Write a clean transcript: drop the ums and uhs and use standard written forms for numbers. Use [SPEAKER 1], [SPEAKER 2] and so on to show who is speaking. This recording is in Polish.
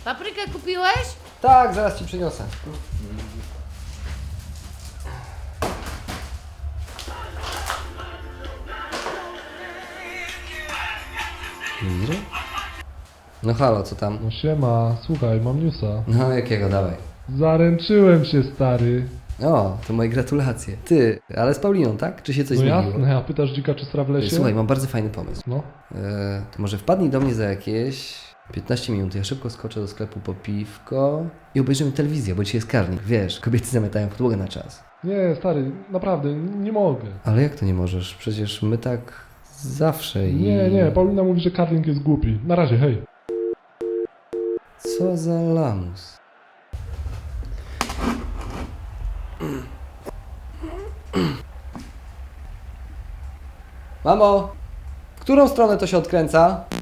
[SPEAKER 1] Paprykę kupiłeś?
[SPEAKER 2] Tak, zaraz ci przyniosę. Mir? No halo, co tam?
[SPEAKER 3] No siema, słuchaj, mam newsa.
[SPEAKER 2] No jakiego, dawaj.
[SPEAKER 3] Zaręczyłem się, stary.
[SPEAKER 2] O, to moje gratulacje. Ty, ale z Pauliną, tak? Czy się coś
[SPEAKER 3] No
[SPEAKER 2] zmieniło?
[SPEAKER 3] jasne, a pytasz dzika czy sra w lesie?
[SPEAKER 2] Słuchaj, mam bardzo fajny pomysł.
[SPEAKER 3] No,
[SPEAKER 2] To może wpadnij do mnie za jakieś 15 minut. Ja szybko skoczę do sklepu po piwko i obejrzymy telewizję, bo dzisiaj jest karnik. Wiesz, kobiety zamiatają podłogę na czas.
[SPEAKER 3] nie, stary, naprawdę, nie mogę.
[SPEAKER 2] Ale jak to nie możesz? Przecież my tak zawsze i...
[SPEAKER 3] Nie, Paulina mówi, że karling jest głupi. Na razie, hej.
[SPEAKER 2] Co za lamus. Mamo, w którą stronę to się odkręca?